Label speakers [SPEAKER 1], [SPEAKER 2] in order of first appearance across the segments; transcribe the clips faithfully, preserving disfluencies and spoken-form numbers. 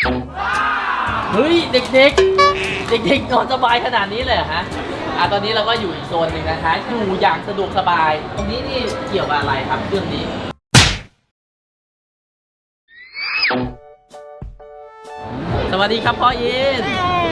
[SPEAKER 1] เฮ้ยเด็กๆเด็กๆนอนสบายขนาดนี้เลยเหรอฮะอ่ะตอนนี้เราก็อยู่อีกโซนหนึ่งนะคะอยู่อย่างสะดวกสบายตรงนี้นี่เกี่ยวกับอะไรครับเครื่องนี้สวัสดีครับพ่ออิน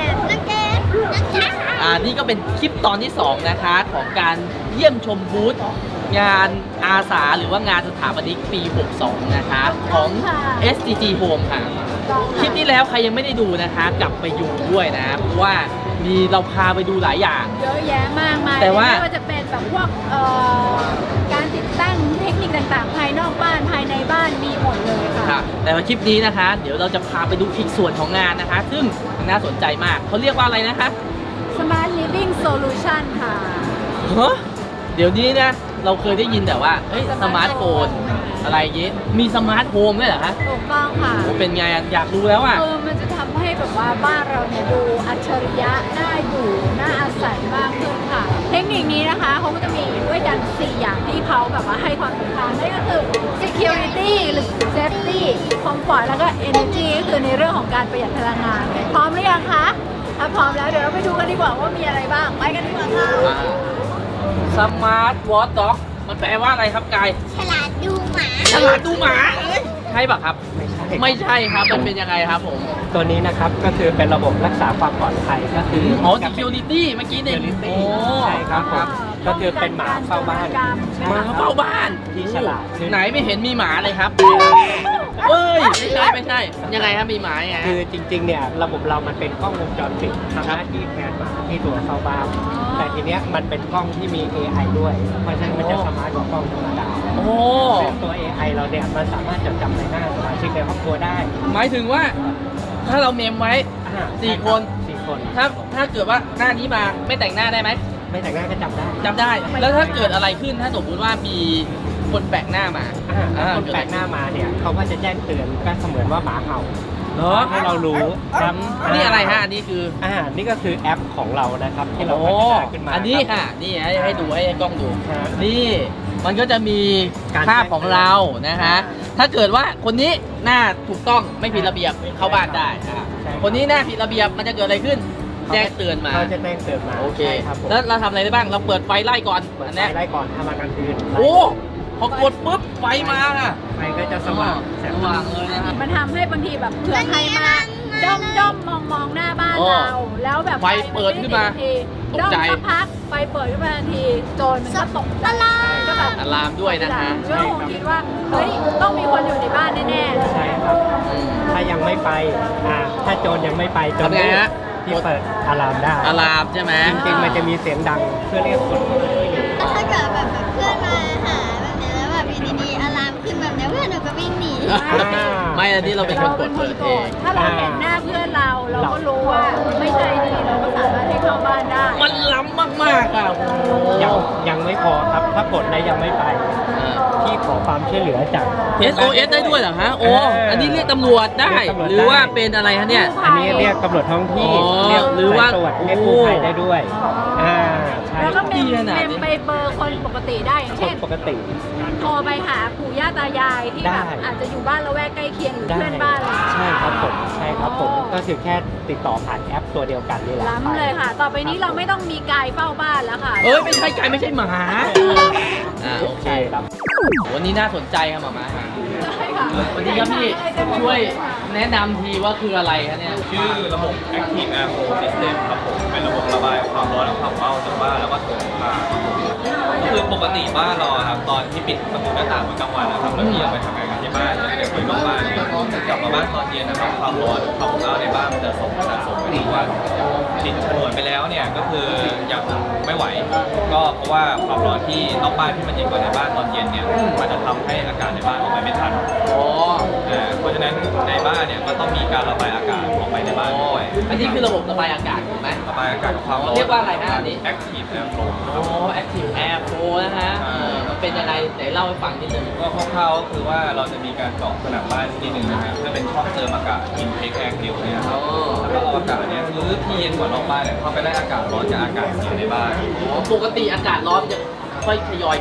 [SPEAKER 1] อ่านี่ก็เป็นคลิปตอนที่สองนะคะของการเยี่ยมชมบูธงานอาสาหรือว่างานสถาปนิกปีหกสองนะคะของ เอส จี จี Home ค่ะคลิปที่แล้วใครยังไม่ได้ดูนะคะกลับไปดูด้วยนะเพราะว่ามีเราพาไปดูหลายอย่าง
[SPEAKER 2] เยอะแยะมากมายแต่ว่าไม่ว่าจะเป็นแบบพวกเอ่อการติดตั้งเทคนิคต่างๆภายนอกบ้านภายในบ้านมีหมดเลยค่ะ
[SPEAKER 1] แต่ว่าคลิปนี้นะคะเดี๋ยวเราจะพาไปดูอีกส่วนของงานนะคะซึ่งน่าสนใจมากเขาเรียกว่าอะไรนะคะ
[SPEAKER 2] Smart Living Solution ค่ะ
[SPEAKER 1] ฮะเดี๋ยวนี้นะเราเคยได้ยินแต่ว่าเฮ้ยสมาร์ทโฟนอะไรเงี้ยมีสมาร์ทโฮมด้วยเหรอคะ
[SPEAKER 2] ถูกต้องค่ะ
[SPEAKER 1] เป็นไงอยากรู้แล้วอ่ะ
[SPEAKER 2] เออมันจะทำให้แบบว่าบ้านเราเนี่ยดูอัจฉริยะน่าอยู่น่าอาศัยมากขึ้นค่ะเทคนิคนี้นะคะเขาก็จะมีด้วยกันสี่อย่างที่เขาแบบว่าให้ความสำคัญนั่นก็คือ security หรือ safety comfort แล้วก็ energy ก็คือในเรื่องของการประหยัดพลังงานพร้อมหรือยังคะถ้าพร้อมแล้วเดี๋ยวเราไปดูกันดีกว่าว่ามีอะไรบ้างไปกันดีกว่าค่ะ
[SPEAKER 1] สมาร์ทวอทด็อกมันแปลว่าอะไรครับกาย
[SPEAKER 3] ฉลาดดูหมา
[SPEAKER 1] ฉลาดดูหมาเอ้ยใช่ป่ะครับไม่ใช่ไม่ใช่ครับมันเป็นยังไงครับผม
[SPEAKER 4] ตัวนี้นะครับก็คือเป็นระบบรักษาความปลอดภัยก็คือ
[SPEAKER 1] อ๋อ security เมื่อกี้เนี่ย
[SPEAKER 4] โอ้ใช่ครับผมก็คือเป็นหมาเฝ้าบ้าน
[SPEAKER 1] หมาเฝ้าบ้าน
[SPEAKER 4] ที่ฉลาด
[SPEAKER 1] ไหนไม่เห็นมีหมาเลยครับเฮ้ยไม่ใช่ไม่ใช่ยังไงครับมีหมาไง
[SPEAKER 4] คือจริงๆเนี่ยระบบเรามันเป็นกล้องวงจรปิดทำหน้าที่แทนหมาที่ตัวเฝ้าบ้านแต่ทีเนี้ยมันเป็นกล้องที่มี เอ ไอ ด้วยเพราะฉะนั้นมันจะสมาร์ทกว่ากล้องธรรมดา
[SPEAKER 1] โอ้
[SPEAKER 4] ตัว เอ ไอ เราเนี่ยมันสามารถจดจำในหน้าสมาชิกในครอบครัวได้
[SPEAKER 1] หมายถึงว่าถ้าเราเมมไว้สี่คน
[SPEAKER 4] สี่คน
[SPEAKER 1] ถ้าถ้าเกิดว่าหน้านี้มาไม่แต่งหน้าได้ไหม
[SPEAKER 4] ไม่แต่งหน้าก็จำได้
[SPEAKER 1] จำได้แล้วถ้าเกิดอะไรขึ้นถ้าสมมติว่ามีคนแปลกหน้ามา
[SPEAKER 4] คนแปลกหน้ามาเนี่ยเขาก็จะแจ้งเตือนก็เสมือนว่าหมาเห่าให้เรารู้ครับ
[SPEAKER 1] นี่อะไรฮะอันนี้คือ
[SPEAKER 4] อ่านี่ก็คือแอปของเรานะครับที่เราพัฒนาขึ้นมา
[SPEAKER 1] อันนี้ค่ะนี่ให้ให้ดูให้กล้องดูนี่มันก็จะมีภาพของเรานะคะถ้าเกิดว่าคนนี้หน้าถูกต้องไม่ผิดระเบียบเข้าบ้านได้คนนี้หน้าผิดระเบียบมันจะเกิดอะไรขึ้นแจ้งเตือนมา
[SPEAKER 4] เขาจะแจ้งเตือนมา
[SPEAKER 1] โอเคแล้วเราทำอะไรได้บ้างเราเปิดไฟไล่ก่อน
[SPEAKER 4] อันนี้ไล่ก่อนทำมากลางคืน
[SPEAKER 1] โอ้พอกดปุ๊บไฟมาอ่ะ
[SPEAKER 4] ไฟก็จะสว่าง
[SPEAKER 1] สว่างเลยนะครับ
[SPEAKER 2] มันทำให้บางทีแบบเผื่อใครมาด้อมด้อมมองมองหน้าบ้านเราแล้วแบบ
[SPEAKER 1] ไฟเปิดขึ้นมา
[SPEAKER 2] ตกใจสักพักไฟเปิดขึ้นมาทันทีโจรมันก็ตกใจก็แบบ
[SPEAKER 1] อะลามด้วยนะคะ
[SPEAKER 2] เรื่องผมคิดว่าเฮ้ยต้องมีคนอยู่ในบ้านแน่
[SPEAKER 4] ๆใช่ครับถ้ายังไม่ไปอ่าถ้าโจรยังไม่ไปโจรที่เปิดอะลามได้
[SPEAKER 1] อะลามใช่ไหม
[SPEAKER 4] จริงๆมันจะมีเสียงดังเพื่อเรียกคน
[SPEAKER 3] แล้วถ้าเกิดแบบเพื่อนมาหาแบบนี้แล้วแบบอยู่ดีๆอะลามขึ้นแบบนี้เพื่อนหนูก็วิ่งหนี
[SPEAKER 1] ไม่อันนี้เราเป็นคนกดเปิดเอง
[SPEAKER 2] ถ้าเราเห็นหน้าเพื่อนเราเราก็รู้ว่าไม่ใช่ดีเราก็สามารถให้เข้าบ้านได้
[SPEAKER 1] มันล้ำมากๆอ่ะ
[SPEAKER 4] ยังยังไม่พอครับถ้ากดแล้วยังไม่ไปที่ขอความช่วยเหลือจาก
[SPEAKER 1] เอส โอ เอส ได้ด้วยเหรอฮะโอ้อันนี้เรียกตำรวจได้หรือว่าเป็นอะไรฮะเนี่ย
[SPEAKER 4] อันนี้เรียกตำรวจท้องที่เรียก
[SPEAKER 1] หรือว่า
[SPEAKER 4] ตรวจเรียกกู้ภัยได้ด้วยอ่า
[SPEAKER 2] แล้วก็เป็นเป็นไปเบอร์คนปกติได้อย่างเช่น
[SPEAKER 4] ปกติ
[SPEAKER 2] โทรไปหาปู่ย่าตายายที่แบบอาจจะอยู่บ้านละแวกใกล้เคียงหรือเพื่อนบ้าน
[SPEAKER 4] ใช่ครับผมใช่ครับผมก็คือแค่ติดต่อผ่านแอปตัวเดียวกันนี่แหละ
[SPEAKER 2] ล้ำเลยค่ะต่อไปนี้เราไม่ต้องมีกายเฝ้าบ้านแล้วค่ะ
[SPEAKER 1] เอ้ยไม่ใช่กายไม่ใช่หมาอ่าโอเค
[SPEAKER 4] ครับ
[SPEAKER 1] วันนี้น่าสนใจครับหมามา
[SPEAKER 2] ใช่ค่ะ
[SPEAKER 1] วันนี้ครับพี่ช่วยแนะนำทีว่าคืออะไรครับเนี่ย
[SPEAKER 5] ชื่อระบบ Active Air Flow System ครับผมเป็นระบบระบายความร้อนและความเมาจากบ้านแล้วก็ถุงผ้าคือปกติบ้านเราครับตอนที่ปิดประตูหน้าต่างกลางวันนะครับแล้วพี่ออกไปทำงานกันที่บ้านเนี่ยเดี๋ยวคุยกับบ้านเนี่ยกลับมาบ้านตอนเย็นนะครับความร้อนความเมาในบ้านมันจะส่งสะสมไปทุกวันปิดฉนวนไปแล้วเนี่ยก็คือยังไม่ไหวก็เพราะว่าความร้อนที่นอกบ้านที่มันเย็นกว่าในบ้านตอนเย็นเนี่ยมันจะทำให้อากาศในบ้านออกไปไม่ทันเพราะฉะนั้นในบ้านเนี่ยก็ต้องมีการระบายอากาศออกไปในบ้านด้วย
[SPEAKER 1] อันนี้คือระบบระบายอากาศถูกไหม
[SPEAKER 5] ระบายอากาศกับความร้อน
[SPEAKER 1] เรียกว่าอะไรฮะอันนี้
[SPEAKER 5] Active Air Flow
[SPEAKER 1] อ๋อ Active Air Flow นะฮะมันเป็นยังไงไหนเล่าให้ฟังนิดนึง
[SPEAKER 5] ก็คร่าวๆก็คือว่าเราจะมีการเจาะผนังบ้านนิดนึงนะครับถ้าเป็นช่องเติมอากาศ intake air เดียวเนี่ยครับแล้วก็เอาอากาศเนี่ยหรือที่เย็นกว่านอกบ้านเนี่ยเข้าไปได้อากาศร้อนจากอากาศเย็นในบ้าน
[SPEAKER 1] ปกติอากาศร้อนจะค่อยทยอยขึ้น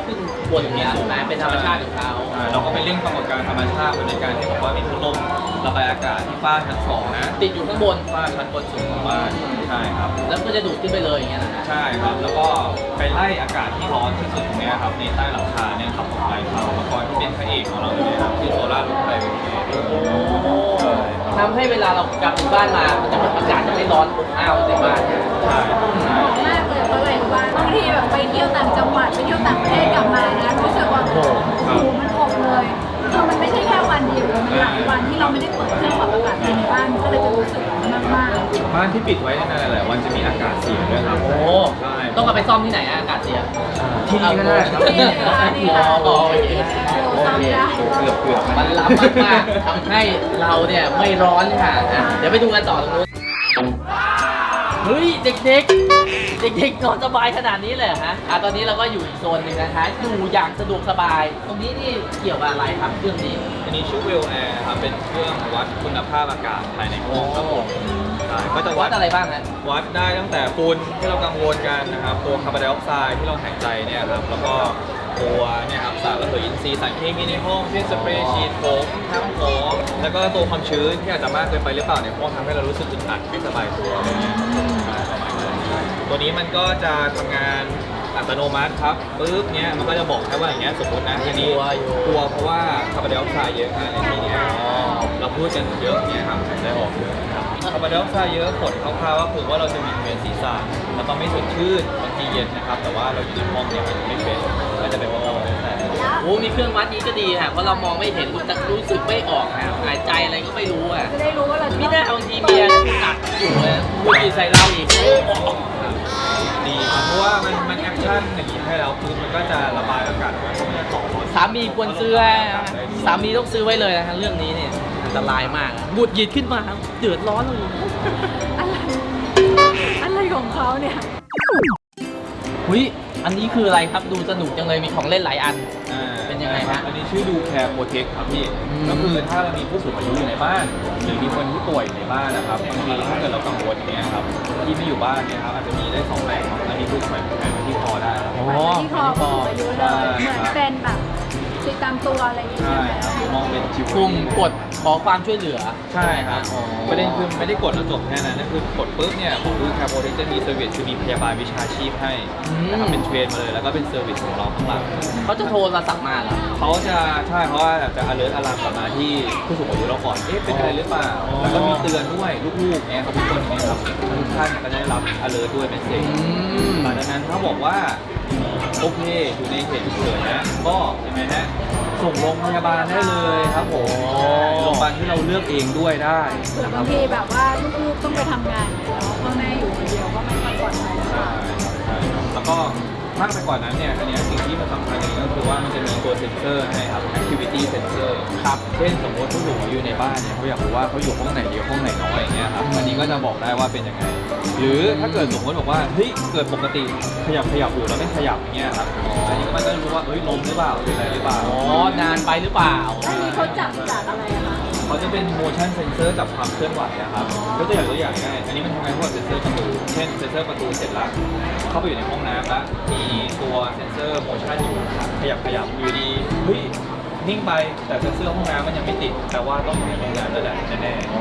[SPEAKER 1] บนอย่างเงี้ยใช่ไหมเป็นธรรมชาติของเขา
[SPEAKER 5] อ่าเราก็ไปเร่งปรากฏการณ์ธรรมชาติในการที่บอกว่ามีพัดลมระบายอากาศที่ฝ้าชั้นสองนะ
[SPEAKER 1] ติดอยู่ข้างบน
[SPEAKER 5] ฝ้าชั้นบนสุดของบ้านใช่ครับ
[SPEAKER 1] แล้วก็จะดูดขึ้นไปเลยอย่างเงี้ยนะฮะ
[SPEAKER 5] ใช่ครับ แล้วก็ไปไล่อากาศที่ร้อนที่สุดตรงเนี้ยครับในใต้หลังคาเนี่ยครับของไฟเขาอุปกรณ์ที่เป็นพระเอกของเราเลยนะครับที่โซล่ารูฟไฟเวอร์ใช่
[SPEAKER 1] ทำให้เวลาเรากลับถึงบ้านมา มันจะอากาศจะไม่ร้อนอบอ้าวในบ้าน
[SPEAKER 5] ใช่ใช่
[SPEAKER 2] มากเลยเพราะอะไรรู้ป่ะบางทีแบบไปเที่ยวต่างจังหวัดไปเที่ยวต่างประเทศกลับมานะรู้สึกว่าโอ้โหมันอบเลยคือมันไม่ใช่แค่วันเดียวมันหลายวันที่เราไม่ได้เปิดเครื่องปรับอากาศภายในบ้านก็เลยจะรู้สึกมากมาก
[SPEAKER 5] บ้านที่ปิดไว้นานๆหลายๆวันจะมีอากาศเสียด้วยครับ
[SPEAKER 1] โอ้
[SPEAKER 5] ใช่
[SPEAKER 1] ต้องเอาไปซ่อมที่ไหนอะอากาศเสีย
[SPEAKER 5] ที่นี่ก็ได้ครับ
[SPEAKER 2] นี่ค่ะนี่ค่ะ
[SPEAKER 1] อ๋อโอเค
[SPEAKER 2] โอ้ซ้ำได้
[SPEAKER 5] เกือบเกือบ
[SPEAKER 1] มันล้ำมากๆทำให้เราเนี่ยไม่ร้อนค่ะอ่ะ เดี๋ยวไปดูกันต่อตรงนู้นเฮ้ยเด็กๆ เด็กๆนอนสบายขนาดนี้เลยเหรอฮะอ่ะตอนนี้เราก็อยู่อีกโซนหนึ่งนะคะอยู่อย่างสะดวกสบาย ตรงนี้นี่เกี่ยวกับอะไรครับเครื่องนี้
[SPEAKER 5] อันนี้ชื่อเวลแอร์ครับเป็นเครื่องวัดคุณภาพอากาศภายในห้องครับผมใช่ก็จะ
[SPEAKER 1] วั
[SPEAKER 5] วั
[SPEAKER 1] ด
[SPEAKER 5] ด
[SPEAKER 1] อะไรบ้างฮะ
[SPEAKER 5] วัดได้ตั้งแต่ฝุ่นที่เรากังวลกันนะครับตัวคาร์บอนไดออกไซด์ที่เราหายใจเนี่ยครับแล้วก็ตัวเนี่ยครับสารระเหยอินทรีย์สารเคมีในห้องเช่นสเปรย์ฉีดผมน้ำหอมแล้วก็ตัวความชื้นที่อาจจะมากเกินไปหรือเปล่าในห้องทำให้เรารู้สึกอึดอัดไม่สบายตัวอะไรเงี้ยใช่ประมาณนั้นตัวนี้มันก็จะทำงานอัตโนมัติครับปุ๊บเนี้ยมันก็จะบอกแค่ว่าอย่างเงี้ยสมมตินะทีนี้
[SPEAKER 1] กลัวอยู่
[SPEAKER 5] กลัวเพราะว่าคาร์บอนไดออกไซด์เยอะนะในที่เนี้ยเราพูดกันเยอะเนี่ยครับหายใจออกเยอะนะครับคาร์บอนไดออกไซด์เยอะผลคร่าวๆก็คือว่าเราจะมีเวียนศีรษะแล้วก็ไม่สดชื่นบางทีเย็นนะครับแต่ว่าเราอยู่ในห้องเนี่ยมันไม่เป็นก็จะเป็นว่าเราไม่แต่
[SPEAKER 1] โอ้มีเครื่องวัดนี้ก็ดีค่ะเพราะเรามองไม่เห็นรู้จักรู้สึกไม่ออกค่ะหายใจอะไรก็ไม่รู้อ่ะ
[SPEAKER 2] จะได้รู้ว่าเราจะ
[SPEAKER 1] มิน่าบางทีเมียหนักอยู่เลยพูดดีใส่เราอีก
[SPEAKER 5] ดีครับเพราะว่ามันมันแอคชั่นอย่างนี้ให้แล้วคือมันก็จะระบายอากาศออกมาเพราะมันจะต่อ
[SPEAKER 1] สามีควรซื้อไว้นะสามีต้องซื้อไว้เลยนะคะเรื่องนี้เนี่ยอันตรายมากอะหงุดหงิดขึ้นมาเดือดร้อนเลย
[SPEAKER 2] อะไรอะไรของเขาเนี่ย
[SPEAKER 1] หุยอันนี้คืออะไรครับดูสนุกจังเลยมีของเล่นหลายอัน
[SPEAKER 5] อ่า
[SPEAKER 1] เป็นยังไงฮะ
[SPEAKER 5] อันนี้ชื่อดูแคร์โปรเทคครับพี่
[SPEAKER 1] อืม
[SPEAKER 5] ก็คือถ้าเรามีผู้สูงอายุอยู่ในบ้าน หรือมีคนที่ป่วยอยู่ในบ้านนะครับบางทีถ้าเกิดเรากังวลเนี่ยครับที่ไม่อยู่บ้านเนี่ยครับอาจจะมีได้สองแบบครับอันนี้คือแขวนแขวนไว้ที่คอได้ครับ
[SPEAKER 1] อ๋อ
[SPEAKER 2] ที่คอผู้สูงอายุเลยเหมือนเป็นแบบติดตามตัวอะไรอย่างเงี้ย
[SPEAKER 5] ใช่
[SPEAKER 2] ใช่ไหม
[SPEAKER 5] ครับมองเป็นชิว
[SPEAKER 1] ปุ่มกดขอความช่วยเหลือ
[SPEAKER 5] ใช่ครับ
[SPEAKER 1] อ๋อ
[SPEAKER 5] ประเด็นคือไม่ได้กดแล้วจบแค่นั้นนะคือกดปุ๊บเนี่ยของดูแคร์โปรเทคจะมีเซอร์วิสคือมีพยาบาลวิชาชีพให้นะครับเป็นเทรนมาเลยแล้วก็เป็นเซอร์วิสของเราข้างหลัง
[SPEAKER 1] เขาจะโทรศัพท์มาเหรอ
[SPEAKER 5] เขาจะใช่เพราะว่าจะ alert อารามกลับมาที่ผู้สูงอายุเราก่อน เอ๊ะเป็นอะไรหรือเปล่า
[SPEAKER 1] อ๋อ
[SPEAKER 5] แล้วก็มีเตือนด้วยลูกๆเนี่ยครับทุกคนเนี่ยครับทุกท่านก็จะได้รับ alert ด้วยเมสเซจ
[SPEAKER 1] อืม
[SPEAKER 5] หลังจากนั้นถ้าบอกว่าโอเคอยู่ในเหตุฉุกเฉินนะก็ยังไงฮะส่งโรงพยาบาลได้เลยครับผมโรงพยาบาลที่เราเลือกเองด้วยได้
[SPEAKER 2] เผื่อ
[SPEAKER 5] นะค
[SPEAKER 2] บา
[SPEAKER 5] รั
[SPEAKER 2] ง
[SPEAKER 5] บ
[SPEAKER 2] ทีแบบว่าลูกๆต้องไปทำงานเนาะพ่อแม่อยู่คนเดียวก็ไม่ค่อยปลอดภัยหรือเป
[SPEAKER 5] ใช่
[SPEAKER 2] ล่า
[SPEAKER 5] ครับใช่ครับแล้วก็มากไปกว่านั้นเนี่ยอันเนี้ยสิ่งที่มันสำคัญอย่างหนึงก็คือว่ามันจะมีตัวเซ็นเซอร์ให้ครับ activity sensor ครับ เช่นสมมติผู้สูงอายุในบ้านเนี่ยเขาอยากรู้ว่าเขาอยู่ห้องไหนเยอะห้องไหนน้อยอย่างเงี้ยครับ อันนี้ก็จะบอกได้ว่าเป็นยังไง หรือถ้าเกิดสมมติบอกว่าเฮ้ยเกิดปกติขยับขยับอยู่แล้วไม่ขยับอย่างเงี้ยครับ อันนี้ก็มันก็จะรู้ว่าเฮ้ยล้มหรือเปล่าหรืออะไรหรือเปล่า
[SPEAKER 1] อ๋อนานไปหรือเปล่า
[SPEAKER 2] อันนี้เขาจับจากอะไรอะคะ
[SPEAKER 5] เขาจะเป็น motion sensor จับความเคลื่อนไหวนะครับยกตัวอย่างตัวอย่างง่ายอันนี้มันทำงานพวกเซนเซอร์ประตู เช่นเซนเซอร์ประตูเสร็จแล้ว เข้าไปอยู่ในห้องน้ำแล้ว มีตัวเซนเซอร์ motion อยู่ครับขยับขยับอยู่ดี เฮ้ย นิ่งไป แต่เซนเซอร์ห้องน้ำมันยังไม่ติด แต่ว่าต้องอยู่ในห้องน้ำแล้วแหละแน่ๆ
[SPEAKER 1] อ๋อ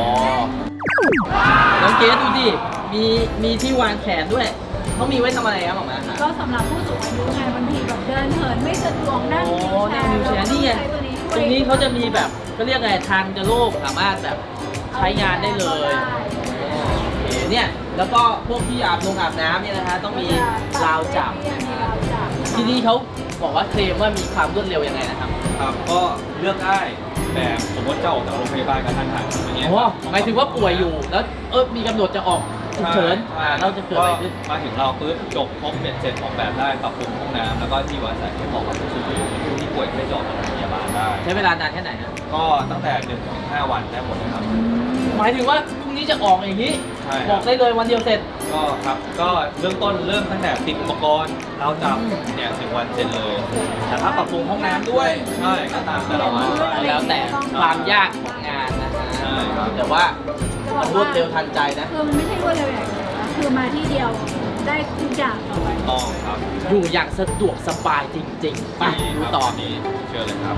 [SPEAKER 1] น้องเกสดูดิ มีมีที่วางแขนด้วย เขามีไว้ทำอะไรครับหมอมาคะ
[SPEAKER 2] ก็สำหรับผู้สูงอายุไงบางทีแบบเดินเหินไม่สะดวกนั่ง
[SPEAKER 1] โอ้
[SPEAKER 2] วีลแช
[SPEAKER 1] นั่ง
[SPEAKER 2] ร์
[SPEAKER 1] วิวแชร์นี่ไง
[SPEAKER 2] เราก็ใช้ตัวนี้
[SPEAKER 1] ตรงนี้เขาจะมีแบบเขาเรียกไงทางจะโลกสามารถแบบใช้งานได้เลยโอเคเนี่ย แล้วก็พวกที่อาบลงอาบน้ำเนี่ยนะคะต้องมีราวจับ
[SPEAKER 2] มีราวจับ
[SPEAKER 1] ที่นี่เขาบอกว่าเคลมว่ามีความรวดเร็วยังไงนะครับ
[SPEAKER 5] ครับก็เลือกได้แบบสมมติจะออกจากโรงพยาบาลกระทันหันอย่างเงี้ย
[SPEAKER 1] โอ้หมายถึงว่าป่วยอยู่ แล้วเออมีกำหนดจะออกฉุกเฉินอ่าเราจะเกิดอะไรขึ้น
[SPEAKER 5] มาถึงเราปุ๊บจบครบเป็นเสร็จออกแบบได้ปรับปรุงห้องน้ำแล้วก็ที่วัดสายที่เหมาะกับผู้สูงอายุผู้ที่ป่วยไม่จอดโรงพยาบาลได้
[SPEAKER 1] ใช้เวลานานแค่ไหนนะ
[SPEAKER 5] ก็ตั้งแต่หนึ่งถึงห้าวันได้หมดเลยครับ
[SPEAKER 1] หมายถึงว่าพรุ่งนี้จะออกอย่างนี้
[SPEAKER 5] ใช่ครับ
[SPEAKER 1] บอกได้เลยวันเดียวเสร็จ
[SPEAKER 5] ก็ครับก็เริ่มต้นเริ่มตั้งแต่ติดอุปกรณ์เราจับเนี่ยหนึ่งวันเสร็จเลย แต่ถ้าปรับปรุงห้องน้ำด้วยใช่ก็ตามแต่ละวัน
[SPEAKER 1] แล้วแต่ความยากของงานนะฮะ
[SPEAKER 5] ใช่ครับ
[SPEAKER 1] แต่ว่ามันรวดเร็วทันใจนะ
[SPEAKER 2] คือมันไม่ใช่รวดเร็วอย่างเดียวนะคือมาที่เดียวได้ทุกอย่างต่อไป
[SPEAKER 5] ต้องครับ
[SPEAKER 1] อยู่อย่างสะดวกสบายจริงๆ ไปดูต่อ
[SPEAKER 5] นี้เชิญเลยครับ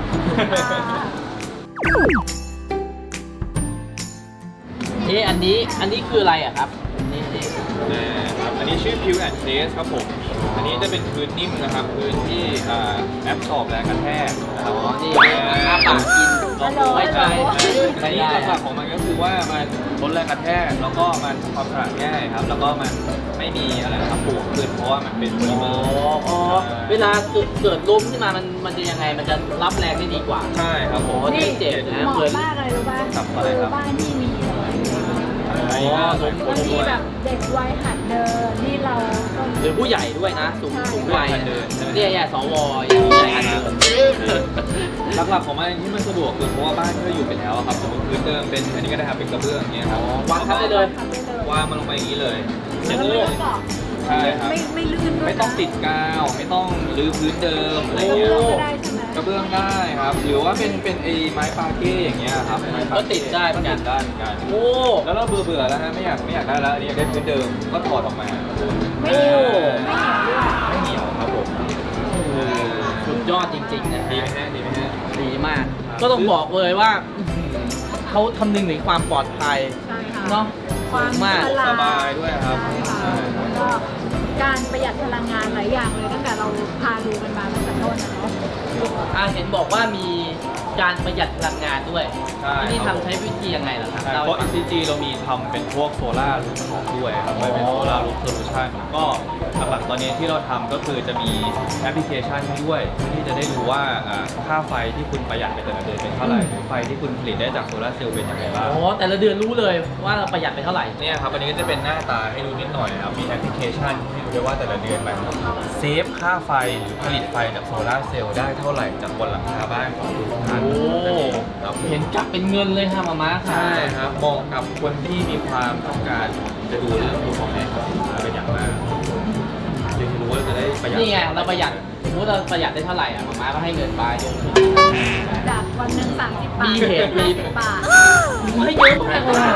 [SPEAKER 1] เอ๊ะอันนี้อันนี้คืออะไรอะครับนี่นี่
[SPEAKER 5] นะครับอันนี้ชื่อ Pure and Taste ครับผม อันนี้จะเป็นพื้นนิ่มนะครับ พื้นที่อ่าแอปสอบแรงกระแทกนะครับ
[SPEAKER 1] อ๋อนี่อาปากกินลองดูไม่ใช่
[SPEAKER 5] อันนี้หลักๆของมันก็คือว่ามันลดแรงกระแทก แล้วก็มันทำความสะอาดง่ายครับ แล้วก็มันไม่มีอะไรนะครับปูขึ้นเพราะว่ามันเป็นโพลิ
[SPEAKER 1] อ๋
[SPEAKER 5] เม
[SPEAKER 1] อ
[SPEAKER 5] อร์
[SPEAKER 1] อ๋อเวลาเกิดเกิดล้มขึ้นมามันมันจะยังไงมันจะรับแรงได้ดีกว่า
[SPEAKER 5] ใช่ครับผม
[SPEAKER 1] โอ้
[SPEAKER 2] นี่
[SPEAKER 1] เจ็บนะ
[SPEAKER 2] เหมาะ
[SPEAKER 1] เหมือน
[SPEAKER 2] มากเลยรู้ป่ะ
[SPEAKER 5] ครับอะไร
[SPEAKER 2] คือ
[SPEAKER 5] ครับ
[SPEAKER 2] บ้านที่มี
[SPEAKER 5] อันนี้ก็เป็นค
[SPEAKER 2] บาน งที
[SPEAKER 5] ด้วย
[SPEAKER 2] แบบเด็กวัยหัดเดินนี่เราก็
[SPEAKER 1] หรือผู้ใหญ่ด้วยนะ สูงสูงวัย
[SPEAKER 5] หัดเดินใช่ไหม
[SPEAKER 1] เนี่ยอย่าสวอย่างผู้ใหญ่หัดเดิน
[SPEAKER 5] หลักๆของมันที่มันสะดวกคือเพราะว่าบ้านที่เราอยู่ไปแล้วอะครับสมมติพื้นเดิมเป็นอันนี้ก็ได้ครับเป็นกระเบื้องอย่างเงี้ยครับ
[SPEAKER 1] วางทับได้เลย
[SPEAKER 2] ทำได้เลยว
[SPEAKER 5] างมันลงไปอย่างนี้เลยเสร็
[SPEAKER 2] แล้
[SPEAKER 5] จ
[SPEAKER 2] ว
[SPEAKER 5] เล
[SPEAKER 2] ไม่
[SPEAKER 5] ย
[SPEAKER 2] ต้องเกาะ
[SPEAKER 5] ใช่ครับ
[SPEAKER 2] ไม่ไม่ลื่นด้วยนะ
[SPEAKER 5] ไม่ต้องติดกาวไม่ต้องรื้อพื้นเดิมอะไร
[SPEAKER 2] กระ
[SPEAKER 5] เงี้ย
[SPEAKER 2] เบื้องก็ได้ใช่ไหม
[SPEAKER 5] กระเบื้องได้ครับ หรือว่าเป็นเป็นไอ้ไม้ปาเก้อย่างเงี้ยครับไม้ปา
[SPEAKER 1] ก็
[SPEAKER 5] เก้
[SPEAKER 1] ติดได้เหมือนกัน
[SPEAKER 5] ติดได้เหมือนกัน
[SPEAKER 1] โอ้
[SPEAKER 5] แล้วเราเบื่อเบื่อๆแล้วฮะไม่อยากไม่อยากได้แล้วอันนี้อยากได้พื้นเดิมก็ถอดออกมา
[SPEAKER 2] ไม่เหนียวไม่เหนียวด้วย
[SPEAKER 5] ไม่เหนียวครับผมเออ
[SPEAKER 1] สุดยอดจริงๆนะ
[SPEAKER 5] ดีไหมฮะดีไหมฮะ
[SPEAKER 1] ดีมาก
[SPEAKER 5] ครับ
[SPEAKER 1] ก็ต้องบอกเลยว่าอื้อหือเขาคำนึงถึงความปลอดภัย
[SPEAKER 2] ใช่ค่ะ
[SPEAKER 1] เนาะ
[SPEAKER 2] ความ
[SPEAKER 1] มาก
[SPEAKER 2] ฉลาด
[SPEAKER 5] สบายด้วยครับ
[SPEAKER 2] ใช่ค่ะแล้วก็การประหยัดพลังงานหลายอย่างเลยตั้งแต่เราพาดูกันมาตั้งแต่ต้นนะเนาะ
[SPEAKER 1] อ่าเห็นบอกว่ามีการประหยัดพลังงานด้วย
[SPEAKER 5] ใช่
[SPEAKER 1] ที่นี่
[SPEAKER 5] ครับ
[SPEAKER 1] ทำใช้วิธียังไงล่ะครับ
[SPEAKER 5] ใช่
[SPEAKER 1] เล่า
[SPEAKER 5] เพราะ
[SPEAKER 1] ให้
[SPEAKER 5] อี
[SPEAKER 1] ฟัง
[SPEAKER 5] ซี จี เรามีทำเป็นพวกโซล่ารูฟท็อปด้วยครับไม่เป็นโซล่ารูฟโซลูชันก็หลักๆตอนนี้ที่เราทำก็คือจะมีแอปพลิเคชันให้ด้วยเพื่อที่จะได้รู้ว่าอ่าค่าไฟที่คุณประหยัดไปแต่ละเดือนเป็นเท่าไหร่หรือไฟที่คุณผลิตได้จากโซลาร์เซลล์เป็นยังไงบ้าง
[SPEAKER 1] โอ้แต่ละเดือนรู้เลยว่าเราประหยัดไปเท่าไหร่
[SPEAKER 5] เนี่ยครับอันนี้ก็จะเป็นหน้าตาให้ดูนิดหน่อยนะครับมีแอปพลิเคชันให้ดูด้วยว่าแต่ละเดือนมันเซฟค่าไฟหรือผลิตไฟจากโซลาร์เซลล์ได้เท่าไหร่จากบนหลังคาบ้านของทุกท่าน
[SPEAKER 1] โอ้
[SPEAKER 5] ครับ
[SPEAKER 1] เห็นกลับเป็นเงินเลยค่ะมาม่าค่ะ
[SPEAKER 5] ใช่ครับเหมาะกับคนที่มีความต้องการจะดูเรื่องดูของแม่ครับเป็นอย่างมากจะรู้ว่าจะได้ประหยัด
[SPEAKER 1] นี่ไงเราประหยัดสมมติเราประหยัดได้เท่าไหร่อ่ะมาม่าก็ให้เงินไป
[SPEAKER 2] จากวันหนึ่งสามสิบบาท
[SPEAKER 1] มีเหตุมี
[SPEAKER 2] ห้าสิบบาท
[SPEAKER 1] ให้เยอะมากเลยอะ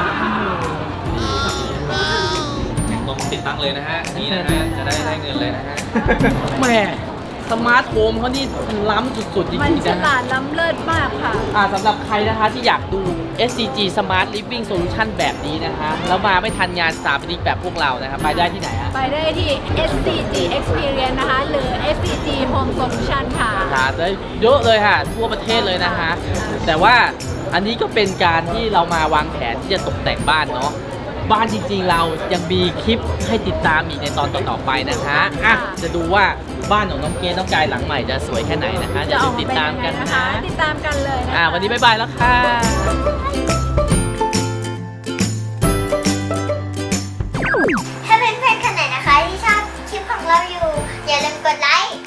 [SPEAKER 5] ลองติดตั้งเลยนะฮะนี่นะฮะจะได้ได้เงินเลยนะฮะ
[SPEAKER 1] แหม่สมาร์ทโฮมเขานี่ล้ำสุดๆจริง
[SPEAKER 2] มัน
[SPEAKER 1] ๆ
[SPEAKER 2] ฉ
[SPEAKER 1] นะ
[SPEAKER 2] ลาดล้ำเลิศมากค่ะ
[SPEAKER 1] อ่าสำหรับใครนะคะที่อยากดู เอส ซี จี Smart Living Solution แบบนี้นะคะ แล้วมาไม่ทันงานสถาปนิกแบบพวกเรานะคะไปได้ที่ไหนฮะ
[SPEAKER 2] ไปได้ที่ เอส ซี จี Experience นะคะ หรือ เอส ซี จี Home Solution ค่ะ
[SPEAKER 1] หาได้เยอะเลยค่ะ ทั่วประเทศเลยนะคะ แต่ว่าอันนี้ก็เป็นการที่เรามาวางแผนที่จะตกแต่งบ้านเนาะบ้านจริงๆเรายังมีคลิปให้ติดตามอีกในตอนต่อๆไปนะคะอ่ะจะดูว่าบ้านของน้องเกดน้องกายหลังใหม่จะสวยแค่ไหนนะคะเดี๋ยว
[SPEAKER 2] จะออกมา
[SPEAKER 1] ติดตามกัน
[SPEAKER 2] เป็นยังไง
[SPEAKER 1] นะ
[SPEAKER 2] ติดตามกันเลยนะคะ
[SPEAKER 1] อ่ะวันนี้บ๊ายบายแล้วค่ะ
[SPEAKER 3] ถ้าเพื่อนๆคนไหนนะคะที่ชอบคลิปของเราอยู่ อย่าลืมกดไลค์